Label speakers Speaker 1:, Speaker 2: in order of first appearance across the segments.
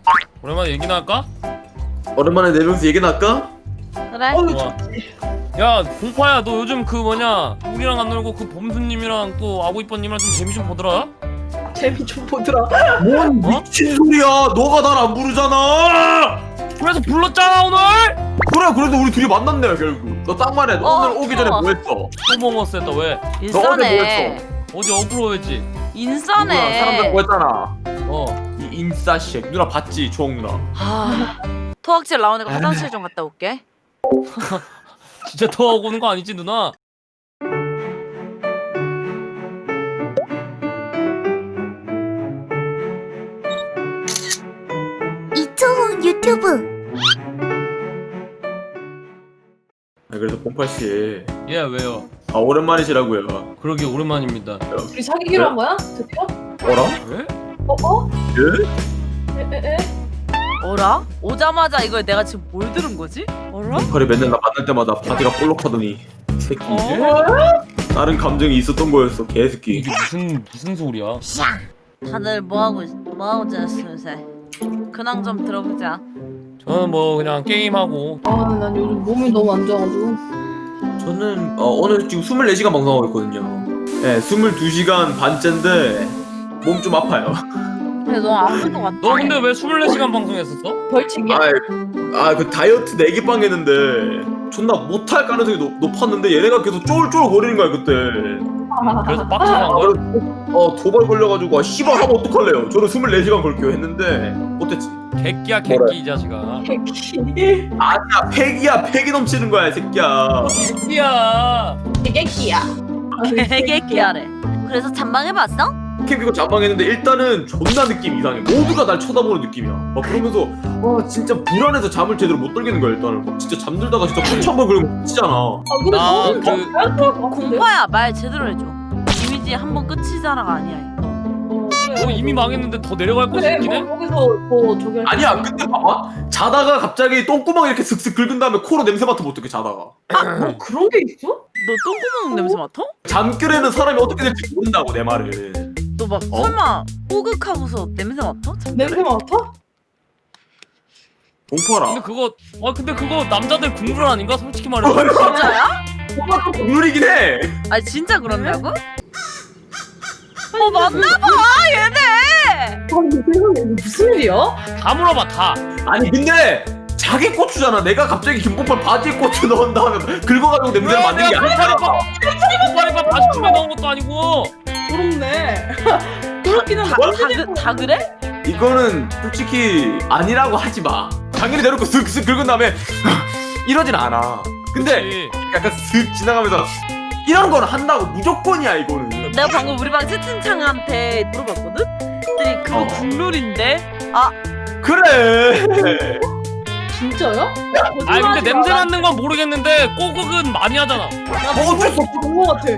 Speaker 1: 오랜만에 얘기나 할까?
Speaker 2: 오랜만에 네 명이서 얘기나 할까?
Speaker 3: 그래.
Speaker 1: 좋아. 야 공파야, 너 요즘 그 뭐냐 우리랑 안 놀고 그 범수님이랑 또 아구이뻐님이랑 좀 재미 좀 보더라?
Speaker 4: 재미 좀 보더라.
Speaker 2: 뭔 미친 소리야. 너가 날 안 부르잖아.
Speaker 1: 그래서 불렀잖아 오늘!
Speaker 2: 그래 그래도 우리 둘이 만났네 결국. 너 딱 말해. 너 오늘 오기 전에 뭐 했어?
Speaker 1: 또 먹었어 했다. 왜?
Speaker 3: 인싸네.
Speaker 1: 어디 어그로했지?
Speaker 2: 누나
Speaker 3: 인싸네.
Speaker 2: 사람들 뭐 했잖아.
Speaker 1: 어.
Speaker 2: 이 인싸쉑 누나 봤지? 조홍 누나.
Speaker 3: 아, 토학질 나오니까 화장실 좀 갔다 올게.
Speaker 1: 진짜 더 오는 거 아니지 누나?
Speaker 5: 이초홍 유튜브.
Speaker 2: 그래서 봉팔씨.
Speaker 1: 예, 왜요?
Speaker 2: 아 오랜만이시라고요.
Speaker 1: 그러게 오랜만입니다.
Speaker 4: 우리 사귀기로 한 거야? 드디어?
Speaker 2: 뭐라?
Speaker 1: 왜?
Speaker 4: 어?
Speaker 2: 예?
Speaker 4: 에에에?
Speaker 3: 어라? 오자마자 이걸 내가 지금 뭘 들은 거지? 어라?
Speaker 2: 봉팔이 맨날 나 만날 때마다 바디가 볼록하더니 이 새끼.
Speaker 3: 어?
Speaker 2: 다른 감정이 있었던 거였어 개새끼.
Speaker 1: 이게 무슨 소리야?
Speaker 3: 다들 뭐하고 지냈어 요새? 근황 좀 들어보자.
Speaker 1: 저는 뭐 그냥 게임하고.
Speaker 4: 아, 난 요즘 몸이 너무 안 좋아가지고.
Speaker 2: 저는 오늘 지금 24시간 방송하고 있거든요. 네, 22시간 반째인데 몸 좀 아파요.
Speaker 3: 그래 너 아픈 거 같다.
Speaker 1: 너 근데 왜 24시간 방송했었어?
Speaker 4: 벌칙이야?
Speaker 2: 그 다이어트 4개 빵 했는데 존나 못할 가능성이 높았는데 얘네가 계속 쫄쫄 거리는 거야 그때.
Speaker 1: 그래서 빡쳐서 한 거야?
Speaker 2: 도발 걸려가지고 씨발 하면 어떡할래요. 저는 24시간 걸게요 했는데 못했지.
Speaker 1: 객기야 객기 이 자식아.
Speaker 4: 개끼.
Speaker 2: 아니야 팩이야. 팩이 넘치는 거야 이 새끼야.
Speaker 1: 객기야.
Speaker 4: 개끼야.
Speaker 3: 개개개하래. 그래서 잠방해봤어?
Speaker 2: 캠핑고 잠방했는데 일단은 존나 느낌 이상해. 모두가 날 쳐다보는 느낌이야. 막 그러면서 진짜 불안해서 잠을 제대로 못 들겠는 거야 일단은. 막 진짜 잠들다가 진짜 콘치 한번 그리고 미치잖아.
Speaker 4: 아, 근데
Speaker 1: 나
Speaker 4: 너는
Speaker 1: 그-
Speaker 4: 잘할 것 같은데?
Speaker 3: 공파야 말 제대로 해줘. 이미지 한 번 끝이자라가 아니야 이거.
Speaker 1: 너 이미 망했는데 더 내려갈 곳이
Speaker 4: 그래,
Speaker 1: 있긴 해?
Speaker 4: 거기서 뭐 저기 할
Speaker 2: 아니야
Speaker 4: 수 있어?
Speaker 2: 근데 봐봐. 자다가 갑자기 똥구멍 이렇게 슥슥 긁은 다음에 코로 냄새 맡으면 어떡해 자다가.
Speaker 4: 뭐 그런 게 있어?
Speaker 3: 너 똥구멍 냄새 맡아?
Speaker 2: 잠결에는 사람이 어떻게 될지 모른다고 내 말을.
Speaker 3: 너 막 설마 호극하고서 냄새 맡아?
Speaker 4: 냄새 맡아?
Speaker 2: 공포하라.
Speaker 1: 근데 그거 남자들 국물 아닌가? 솔직히 말해서.
Speaker 3: 진짜야?
Speaker 2: 공포가 국룰이긴 해.
Speaker 3: 아니 진짜 그런다고? 맞나봐 얘네.
Speaker 4: 아니 세상에 이거 무슨 일이야?
Speaker 1: 다 물어봐 다.
Speaker 2: 아니 근데 자기 고추잖아. 내가 갑자기 김봉팔 바지에 고추 넣은 다음에 긁어가지고 냄새를 맡는 게 아니야.
Speaker 1: 공파리밥 바지춤에 넣은 것도 아니고.
Speaker 4: 부럽네. 그렇긴 한데.
Speaker 3: 다 그래?
Speaker 2: 이거는 솔직히 아니라고 하지 마. 당연히 대놓고 슥슥 긁은 다음에 이러진 않아. 근데
Speaker 1: 그치.
Speaker 2: 약간 슥 지나가면서 이런 거는 한다고 무조건이야 이거는.
Speaker 3: 내가 방금 우리 방 채팅창한테 물어봤거든? 그랬더니 그거 국룰인데? 아
Speaker 2: 그래.
Speaker 4: 진짜요?
Speaker 1: 아니 근데 냄새 맡는 건 모르겠는데 꼬극은 많이 하잖아.
Speaker 2: 뭐 어쩔 수 없어.
Speaker 4: 본거 같아.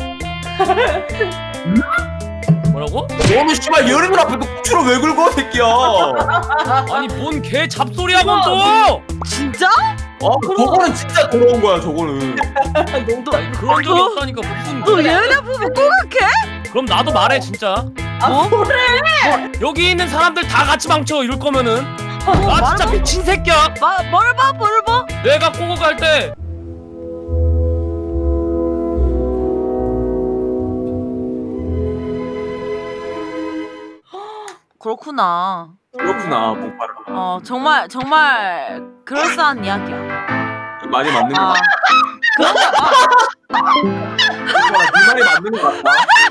Speaker 1: 뭐라고?
Speaker 2: 너는 씨발 여름을 앞에 또 고추를 왜 긁어 새끼야.
Speaker 1: 아니 뭔 개 잡소리하고 또!
Speaker 3: 진짜?
Speaker 2: 저거는 진짜 더러운 거야 저거는.
Speaker 1: 아니 그런 적이 없다니까 무슨.
Speaker 3: 너 얘네 보면 꼬각해?
Speaker 1: 그럼 나도 말해 진짜.
Speaker 4: 아 그래?
Speaker 1: 여기 있는 사람들 다 같이 망쳐 이럴 거면은. 아 진짜 미친 새끼야.
Speaker 3: 뭘 봐?
Speaker 1: 내가 꼬극할 때
Speaker 3: 그렇구나.
Speaker 2: 그렇구나 봉파라.
Speaker 3: 정말 그럴싸한 이야기야.
Speaker 2: 많이 맞는 거
Speaker 3: 아
Speaker 2: 같아.
Speaker 3: 그런가 봐.
Speaker 2: 네 말이 맞는 거 같다.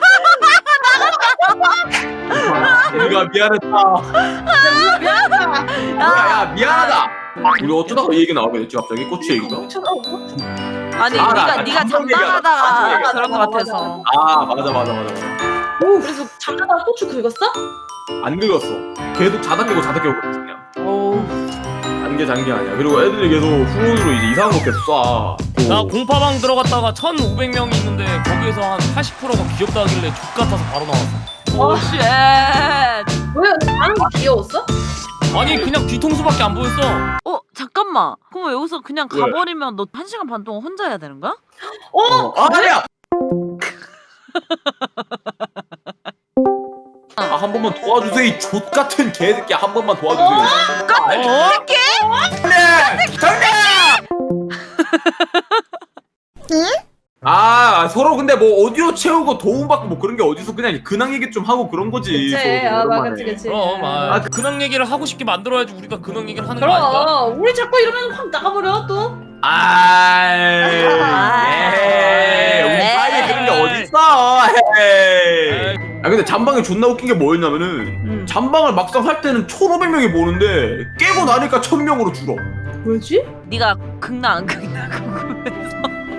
Speaker 2: 우리가 미안했다. 야 미안하다. 우리 어쩌다가 이 얘기 나오게 됐지 갑자기 고추 얘기가.
Speaker 3: 아니
Speaker 2: 나
Speaker 3: 네가
Speaker 2: 감정
Speaker 3: 잠당하다가
Speaker 2: 얘기하자.
Speaker 3: 그런 거 같아서.
Speaker 2: 맞아.
Speaker 4: 그래서 잠자다가 고추 긁었어?
Speaker 2: 안 늙었어. 계속 자다 깨고 그냥.
Speaker 3: 오.
Speaker 2: 장기 아니야. 그리고 애들이 계속 후문으로 이제 이상한 거 계속 쏴.
Speaker 1: 나 공파방 들어갔다가 1,500명이 있는데 거기에서 한 80%가 귀엽다 하길래 족 같아서 바로 나왔어.
Speaker 3: 오 쉣.
Speaker 4: 왜 나는 게 귀여웠어?
Speaker 1: 아니 그냥 뒤통수밖에 안 보였어.
Speaker 3: 잠깐만. 그럼 여기서 그냥
Speaker 2: 왜?
Speaker 3: 가버리면 너 1시간 반 동안 혼자 해야 되는 거야?
Speaker 2: 아니야. 한 번만 도와주세요 이 족같은 개새끼 한 번만 도와주세요 서로 근데 뭐 오디오 채우고 도움받고 뭐 그런 게 어디서 그냥 근황 얘기 좀 하고 그런 거지
Speaker 4: 그치.
Speaker 2: 서로
Speaker 4: 아,
Speaker 2: 오랜만에.
Speaker 4: 그치, 그치.
Speaker 1: 그럼 근황 얘기를 하고 싶게 만들어야지 우리가 근황 얘기를 하는 거 아닐까?
Speaker 4: 그럼 우리 자꾸 이러면 확 나가버려 또.
Speaker 2: 우리 사이에 그런 게 어딨어 에이. 근데 잠방이 존나 웃긴 게 뭐였냐면은 잠방을 막상 할 때는 1,500명이 보는데 깨고 나니까 1,000명으로 줄어.
Speaker 4: 뭐지?
Speaker 3: 네가 극나 안 극나 궁금해서.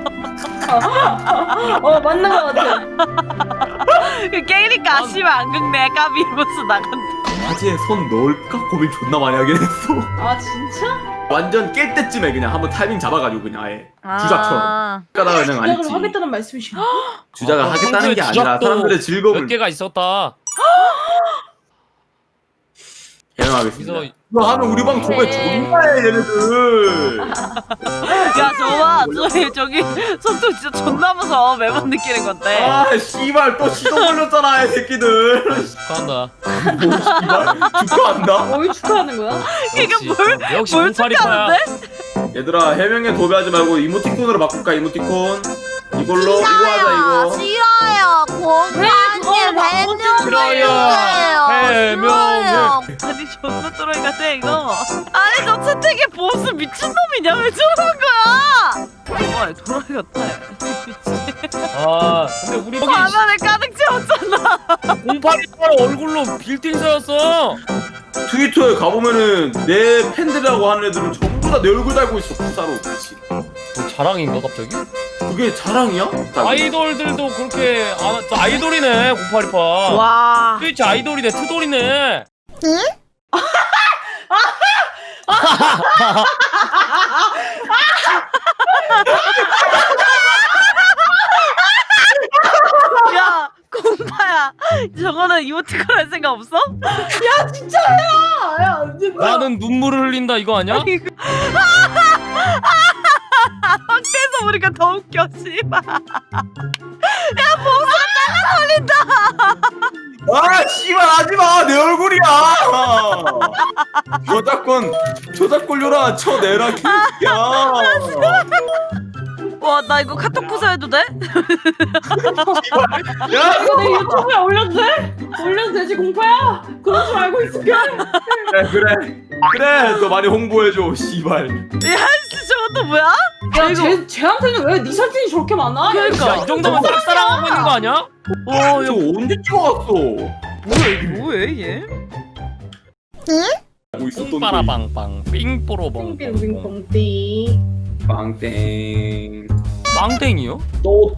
Speaker 4: 맞는 거 같아.
Speaker 3: 깨니까 아쉬워 안 극네 까비 이러면서 나간다.
Speaker 2: 바지에 손 넣을까 고민 존나 많이 하긴 했어.
Speaker 4: 아 진짜?
Speaker 2: 완전 깰 때쯤에 그냥 한번 타이밍 잡아가지고 그냥 아예 주작처럼. 까다가 그냥 안
Speaker 4: 주작을
Speaker 2: 했지.
Speaker 4: 하겠다는 말씀이신가?
Speaker 2: 주작을 하겠다는 게 아니라
Speaker 1: 주작도
Speaker 2: 사람들의
Speaker 1: 몇
Speaker 2: 즐거움을
Speaker 1: 개가 있었다.
Speaker 2: 해명하겠습니다.
Speaker 1: 그래서
Speaker 2: 이거 하면 우리 방 정말 존나해 얘네들.
Speaker 3: 야 저봐 저기 손톱 진짜 존나 무서워 매번 느끼는 건데.
Speaker 2: 아 씨발 또 시동 걸렸잖아 이 새끼들.
Speaker 1: 축하한다.
Speaker 2: 뭐 씨발 축하한다.
Speaker 4: 왜 축하하는 거야?
Speaker 3: 이게
Speaker 1: 역시
Speaker 3: 뭘
Speaker 1: 공팔이파야.
Speaker 3: 축하하는데?
Speaker 2: 얘들아 해명에 도배하지 말고 이모티콘으로 바꿀까 이모티콘. 이걸로 이거 하자 이거.
Speaker 5: 싫어요. 공파님 해명
Speaker 1: 싫어요. 해명을.
Speaker 3: 아니 존나 또라이 같아 이거. 아니 저 채택이 보스 미친놈이냐 왜 저러는 거야? 와 또라이 같아.
Speaker 1: 근데 우리 여기
Speaker 3: 화면에 가득 채웠잖아.
Speaker 1: 공팔이파 얼굴로 빌딩서였어.
Speaker 2: 트위터에 가보면은 내 팬들이라고 하는 애들은 전부 다 내 얼굴 달고 있어 구사로 같이.
Speaker 1: 자랑인가 갑자기?
Speaker 2: 그게 자랑이야?
Speaker 1: 아이돌들도 그렇게 아이돌이네 공팔이파.
Speaker 3: 와.
Speaker 1: 트위치 아이돌이네 트돌이네.
Speaker 3: 야 공파야 저거는 이모티콘 할 생각 없어?
Speaker 4: 야 진짜야! 야
Speaker 1: 나는 눈물을 흘린다 이거 아니야?
Speaker 3: 확대해서 보니까 더 웃겨 씨발.
Speaker 2: 아 씨발 하지마 내 얼굴이야. 저작권료라 쳐내라 개새끼야.
Speaker 3: 와 나 이거 카톡 부서해도 돼?
Speaker 2: 야
Speaker 4: 이거 내 유튜브에 올려도 돼? 올려도 되지 공파야? 그런 줄 알고 있을게.
Speaker 2: 그래 너 많이 홍보해줘 씨발.
Speaker 3: 야 씨, 저것도 뭐야?
Speaker 4: 야 쟤한테는 왜 네 사진이 저렇게 많아?
Speaker 3: 그러니까.
Speaker 1: 야, 이 정도면 짝사랑하고 있는 거 아니야?
Speaker 3: 와
Speaker 2: 저 언제 찍어왔어?
Speaker 3: 뭐해 얘?
Speaker 2: 뭐 있었던
Speaker 1: 뽕빠라빵빵 삥뽀로봉
Speaker 4: 빙빙봉띠.
Speaker 2: 빵땡.
Speaker 1: 빵땡이요?
Speaker 2: 또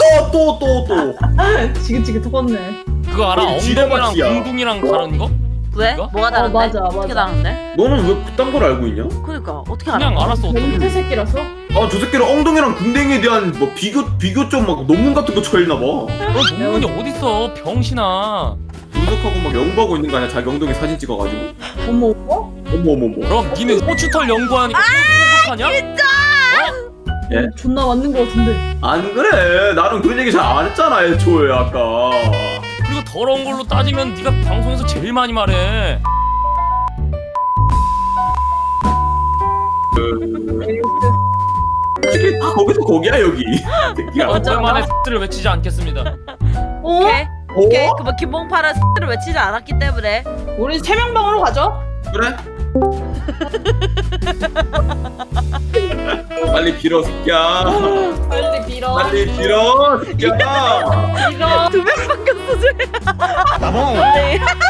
Speaker 4: 지긋지긋 터졌네.
Speaker 1: 그거 알아?
Speaker 2: 거기
Speaker 1: 엉덩이랑
Speaker 2: 지뢰밭이야.
Speaker 1: 둥둥이랑 다른 거?
Speaker 3: 왜?
Speaker 1: 이거?
Speaker 3: 뭐가 다른데?
Speaker 4: 맞아.
Speaker 3: 어떻게 다른데?
Speaker 2: 너는 왜 그딴 걸 알고 있냐?
Speaker 3: 그러니까 어떻게 알아?
Speaker 1: 그냥 알았어 어떤
Speaker 4: 변태 새끼라서?
Speaker 2: 아 저 새끼는 엉덩이랑 궁뎅이에 대한 뭐 비교 좀 막 논문 같은 거 쳐있나 봐.
Speaker 1: 너 논문이 어딨어 병신아.
Speaker 2: 분석하고 막 연구하고 있는 거 아니야? 자기 엉덩이 사진 찍어가지고.
Speaker 4: 어머
Speaker 2: 어머.
Speaker 1: 그럼 니는 고추털 연구하니까 똑똑하냐?
Speaker 2: 예?
Speaker 4: 존나 맞는 거 같은데.
Speaker 2: 안 그래. 나는 그런 얘기 잘 안 했잖아 애초에 아까.
Speaker 1: 그리고 더러운 걸로 따지면 네가 방송에서 제일 많이 말해.
Speaker 2: 솔직히 다 거기서 거기야 여기. 새끼야.
Speaker 1: 오랜만에 X를 외치지 않겠습니다.
Speaker 3: 오케이
Speaker 2: 어?
Speaker 3: 오케이 그뭐 김봉파라 X를 외치지 않았기 때문에
Speaker 4: 우리 세 명 방으로 가죠.
Speaker 2: 그래? 빨리 빌어 새끼야.
Speaker 4: 빨리 빌어.
Speaker 2: 빨리 빌어 새끼야.
Speaker 4: 빌어.
Speaker 3: 2명 바뀌었어 쟤.
Speaker 1: 나봉.
Speaker 3: 네.